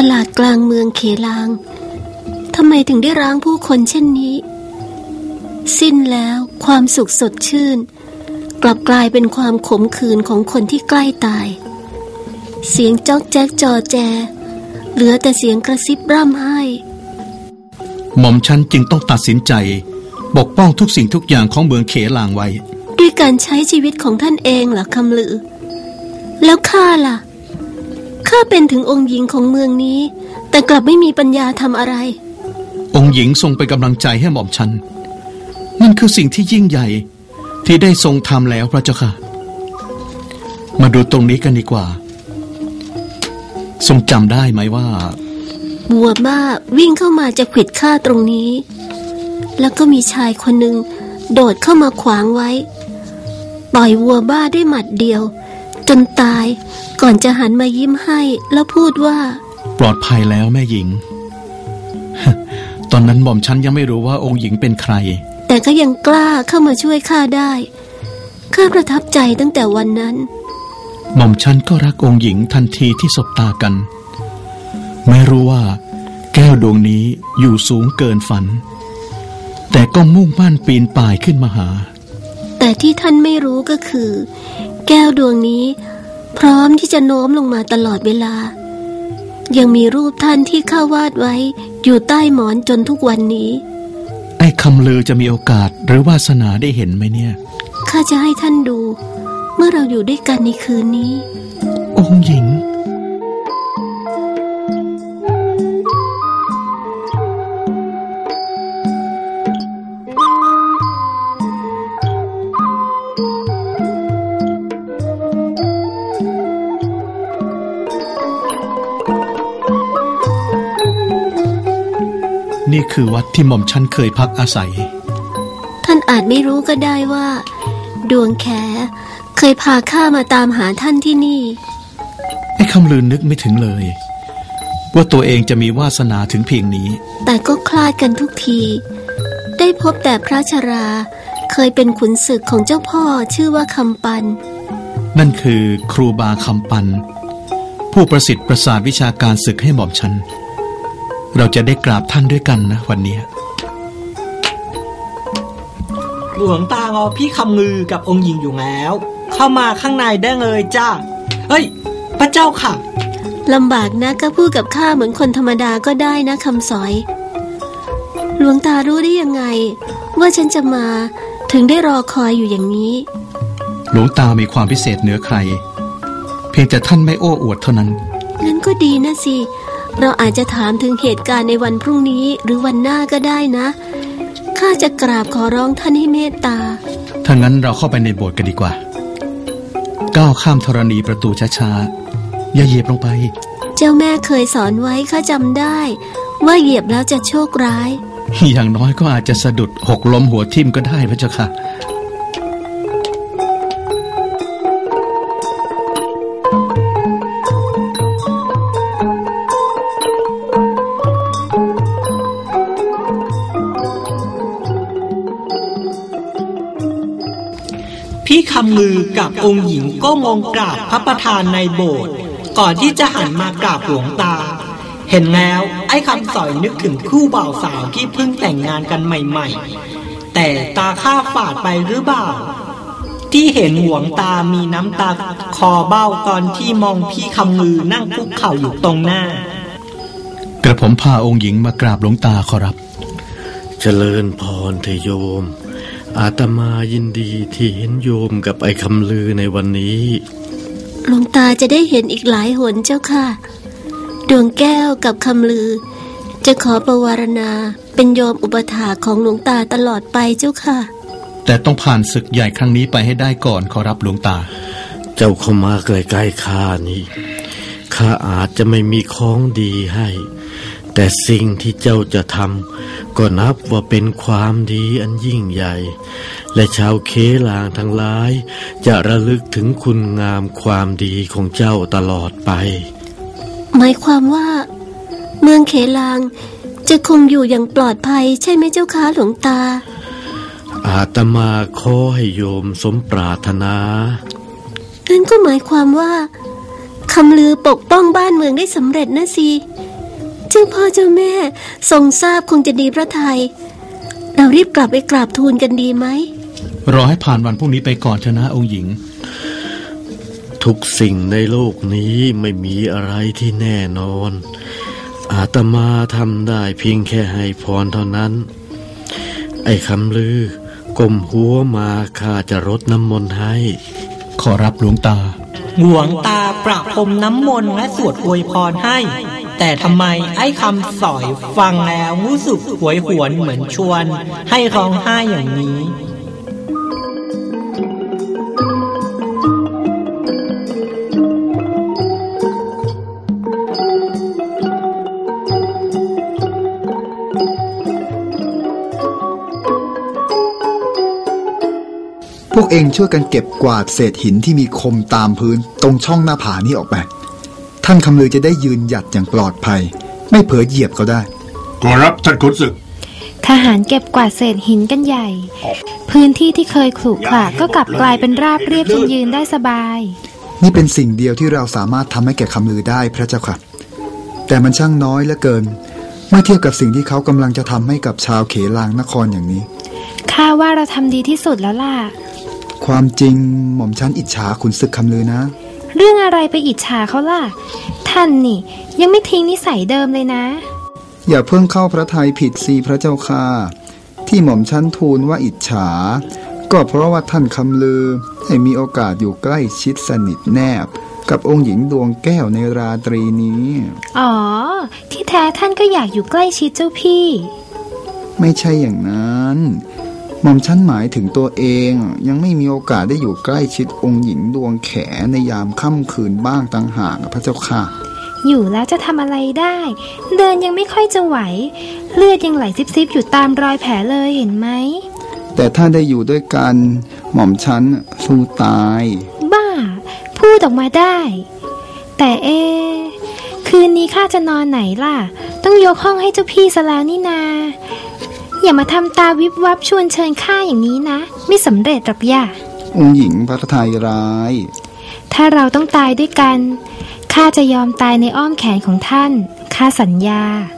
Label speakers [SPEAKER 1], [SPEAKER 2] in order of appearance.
[SPEAKER 1] ลาดกลางเมืองเขลางทำไมถึงได้ร้างผู้คนเช่นนี้สิ้นแล้วความสุขสดชื่นกลับกลายเป็นความขมขื่นของคนที่ใกล้ตายเสียงจ๊อกแจ๊กจอแจเหลือแต่เสียงกระซิบร่ำไห้
[SPEAKER 2] หม่อมฉันจึงต้องตัดสินใจปกป้องทุกสิ่งทุกอย่างของเมืองเขลางไว้
[SPEAKER 1] ด้วยการใช้ชีวิตของท่านเองเหรอคำลือแล้วข้าล่ะข้าเป็นถึงองค์หญิงของเมืองนี้แต่กลับไม่มีปัญญาทำอะไร
[SPEAKER 2] องค์หญิงทรงเป็นกำลังใจให้หม่อมฉันนั่นคือสิ่งที่ยิ่งใหญ่ที่ได้ทรงทำแล้วพระเจ้าค่ะมาดูตรงนี้กันดีกว่าทรงจำได้ไหมว่า
[SPEAKER 1] บัวบ้าวิ่งเข้ามาจะขวิดข้าตรงนี้แล้วก็มีชายคนหนึ่งโดดเข้ามาขวางไว้ปล่อยวัวบ้าด้วยหมัดเดียวจนตายก่อนจะหันมายิ้มให้แล้วพูดว่า
[SPEAKER 2] ปลอดภัยแล้วแม่หญิง ตอนนั้นหม่อมฉันยังไม่รู้ว่าองค์หญิงเป็นใคร
[SPEAKER 1] แต่ก็ยังกล้าเข้ามาช่วยข้าได้ข้าประทับใจตั้งแต่วันนั้น
[SPEAKER 2] หม่อมฉันก็รักองค์หญิงทันทีที่สบตากันไม่รู้ว่าแก้วดวงนี้อยู่สูงเกินฝันแต่ก็มุ่งมั่นปีนป่ายขึ้นมาหา
[SPEAKER 1] แต่ที่ท่านไม่รู้ก็คือแก้วดวงนี้พร้อมที่จะโน้มลงมาตลอดเวลายังมีรูปท่านที่ข้าวาดไว้อยู่ใต้หมอนจนทุกวันนี้
[SPEAKER 2] ไอ้คำลือจะมีโอกาสหรือวาสนาได้เห็นไหมเนี่ย
[SPEAKER 1] ข้าจะให้ท่านดูเมื่อเราอยู่ด้วยกันในคืนนี้
[SPEAKER 2] องค์หญิงนี่คือวัดที่หม่อมฉันเคยพักอาศัย
[SPEAKER 1] ท่านอาจไม่รู้ก็ได้ว่าดวงแขเคยพาข้ามาตามหาท่านที่นี่
[SPEAKER 2] ไอ้คำลือนึกไม่ถึงเลยว่าตัวเองจะมีวาสนาถึงเพียงนี้
[SPEAKER 1] แต่ก็คลาดกันทุกทีได้พบแต่พระชราเคยเป็นขุนศึกของเจ้าพ่อชื่อว่าคำปัน
[SPEAKER 2] นั่นคือครูบาคำปันผู้ประสิทธิ์ประสาทวิชาการศึกให้หม่อมฉันเราจะได้กราบท่านด้วยกันนะวันนี้
[SPEAKER 3] หลวงตางอพี่คำงือกับองค์หญิงอยู่แล้วเข้ามาข้างในได้เลยจ้าเฮ้ยพระเจ้าค่ะ
[SPEAKER 1] ลำบากนะก็พูดกับข้าเหมือนคนธรรมดาก็ได้นะคำสอยหลวงตารู้ได้ยังไงว่าฉันจะมาถึงได้รอคอยอยู่อย่างนี้
[SPEAKER 2] หลวงตามีความพิเศษเหนือใครเพียงแต่ท่านไม่โอ้อวดเท่านั้น
[SPEAKER 1] งั้นก็ดีนะสิเราอาจจะถามถึงเหตุการณ์ในวันพรุ่งนี้หรือวันหน้าก็ได้นะข้าจะกราบขอร้องท่านให้เมตตา
[SPEAKER 2] ถ้างั้นเราเข้าไปในโบสถ์กันดีกว่าก้าวข้ามธรณีประตูช้าๆอย่าเหยียบลงไป
[SPEAKER 1] เจ้าแม่เคยสอนไว้ข้าจำได้ว่าเหยียบแล้วจะโชคร้าย
[SPEAKER 2] อย่างน้อยก็อาจจะสะดุดหกล้มหัวทิ่มก็ได้พระเจ้าค่ะ
[SPEAKER 3] พี่คำลือกับองค์หญิงก็มองกราบพระประธานในโบสถ์ก่อนที่จะหันมากราบหลวงตาเห็นแล้วไอ้คำสอยนึกถึงคู่บ่าวสาวที่เพิ่งแต่งงานกันใหม่ๆแต่ตาข้าฝาดไปหรือเปล่าที่เห็นหลวงตามีน้ำตาคอเบ้าตอนที่มองพี่คำลือนั่งคุกเข่าอยู่ตรงหน้าก
[SPEAKER 2] ระผมพาองค์หญิงมากราบหลวงตาขอรับ
[SPEAKER 4] เจริญพรเถโยมอาตมายินดีที่เห็นโยมกับไอ้คำลือในวันนี้
[SPEAKER 1] หลวงตาจะได้เห็นอีกหลายหนเจ้าค่ะดวงแก้วกับคำลือจะขอประวารณาเป็นโยมอุปถาของหลวงตาตลอดไปเจ้าค่ะ
[SPEAKER 2] แต่ต้องผ่านศึกใหญ่ครั้งนี้ไปให้ได้ก่อนขอรับหลวงตา
[SPEAKER 4] เจ้าเข้ามาใกล้ๆข้านี่ข้าอาจจะไม่มีของดีให้แต่สิ่งที่เจ้าจะทำก็นับว่าเป็นความดีอันยิ่งใหญ่และชาวเขลางทั้งหลายจะระลึกถึงคุณงามความดีของเจ้าตลอดไป
[SPEAKER 1] หมายความว่าเมืองเขลางจะคงอยู่อย่างปลอดภัยใช่ไหมเจ้าคะหลวงตา
[SPEAKER 4] อาตมาขอให้โยมสมปรารถนา
[SPEAKER 1] นั่นก็หมายความว่าคำลือปกป้องบ้านเมืองได้สำเร็จนะสิเจ้าพ่อเจ้าแม่ทรงทราบคงจะดีพระทัยเรารีบกลับไปกราบทูลกันดีไหม
[SPEAKER 2] รอให้ผ่านวันพรุ่งนี้ไปก่อนเถอะนะองค์หญิง
[SPEAKER 4] ทุกสิ่งในโลกนี้ไม่มีอะไรที่แน่นอนอาตมาทำได้เพียงแค่ให้พรเท่านั้นไอ้คำลือก้มหัวมาข้าจะรดน้ำมนต์ให้
[SPEAKER 2] ขอรับหลวงตา
[SPEAKER 3] หลวงตาประพรมน้ำมนต์และสวดอวยพรให้แต่ทำไมไอ้คำสอยฟังแล้วรู้สึกหวยหวนเหมือนชวนให้ร้องไห้อย่างนี้
[SPEAKER 5] พวกเองช่วยกันเก็บกวาดเศษหินที่มีคมตามพื้นตรงช่องหน้าผานี้ออกไปท่านคำลือจะได้ยืนหยัดอย่างปลอดภัยไม่เผลอเหยียบเขาได้
[SPEAKER 6] ขอรับท่านขุนศึก
[SPEAKER 7] ทหารเก็บกวาดเศษหินกันใหญ่พื้นที่ที่เคยขรุขระก็กลับกลายเป็นราบเรียบจนยืนได้สบาย
[SPEAKER 5] นี่เป็นสิ่งเดียวที่เราสามารถทำให้แก่คำลือได้พระเจ้าค่ะแต่มันช่างน้อยเหลือเกินเมื่อเทียบกับสิ่งที่เขากำลังจะทำให้กับชาวเขลางนครอย่างนี้
[SPEAKER 7] ข้าว่าเราทำดีที่สุดแล้วล่ะ
[SPEAKER 5] ความจริงหม่อมชั้นอิจฉาขุนศึกคำลือนะ
[SPEAKER 7] เรื่องอะไรไปอิจฉาเขาล่ะท่านนี่ยังไม่ทิ้งนิสัยเดิมเลยนะ
[SPEAKER 5] อย่าเพิ่งเข้าพระทัยผิดสิพระเจ้าค่ะที่หม่อมชั้นทูลว่าอิจฉาก็เพราะว่าท่านคำลือให้มีโอกาสอยู่ใกล้ชิดสนิทแนบกับองค์หญิงดวงแก้วในราตรีนี้
[SPEAKER 7] อ๋อที่แท้ท่านก็อยากอยู่ใกล้ชิดเจ้าพี่
[SPEAKER 5] ไม่ใช่อย่างนั้นหม่อมชั้นหมายถึงตัวเองยังไม่มีโอกาสได้อยู่ใกล้ชิดองค์หญิงดวงแขในยามค่ำคืนบ้างต่างหากพระเจ้าค่ะ
[SPEAKER 7] อยู่แล้วจะทำอะไรได้เดินยังไม่ค่อยจะไหวเลือดยังไหลซิบๆอยู่ตามรอยแผลเลยเห็นไหม
[SPEAKER 5] แต่ถ้าได้อยู่ด้วยกันหม่อมชั้นสู้ตาย
[SPEAKER 7] บ้าพูดออกมาได้แต่คืนนี้ข้าจะนอนไหนล่ะต้องยกห้องให้เจ้าพี่ซะแล้วนี่นาอย่ามาทำตาวิบวับชวนเชิญข้าอย่างนี้นะไม่สำเร็จหรอกย่า
[SPEAKER 5] องค์หญิงพระทัยร้าย
[SPEAKER 7] ถ้าเราต้องตายด้วยกันข้าจะยอมตายในอ้อมแขนของท่านข้าสัญญา